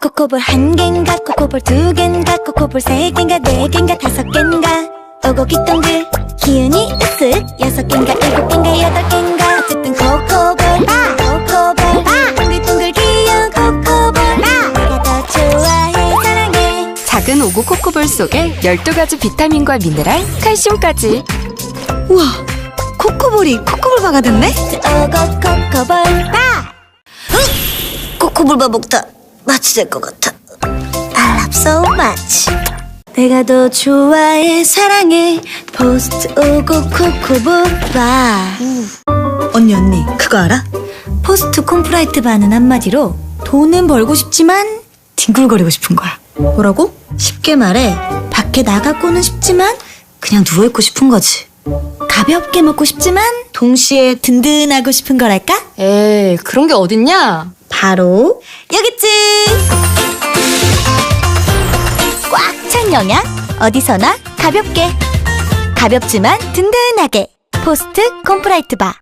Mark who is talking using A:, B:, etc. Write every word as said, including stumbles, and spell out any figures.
A: 코코볼 한 갠가 코코볼 두 갠가 코코볼 세 갠가 네 갠가 다섯 갠가 오고기 동글 기운이 으쓱 여섯 갠가 일곱 갠가 여덟 갠가 어쨌든 코코볼 바 코코볼 바 동글동글 귀여운 코코볼 바 내가 더 좋아해 사랑해.
B: 작은 오구 코코볼 속에 열두 가지 비타민과 미네랄, 칼슘까지.
C: 우와, 코코볼이 코코볼바가 됐네?
A: 오고 코코볼 바.
C: 코코볼바 먹다 마취 될 것 같아.
A: I love so much. 내가 더 좋아해 사랑해 포스트 오고 코코볼 바.
C: 언니 언니 그거 알아?
A: 포스트 콤프라이트 바는 한마디로 돈은 벌고 싶지만
C: 뒹굴거리고 싶은 거야.
A: 뭐라고? 쉽게 말해 밖에 나가고는 싶지만
C: 그냥 누워있고 싶은 거지.
A: 가볍게 먹고 싶지만 동시에 든든하고 싶은 거랄까?
B: 에이, 그런 게 어딨냐?
A: 바로 여기지. 꽉 찬 영양 어디서나 가볍게 가볍지만 든든하게 포스트 콤프라이트 바.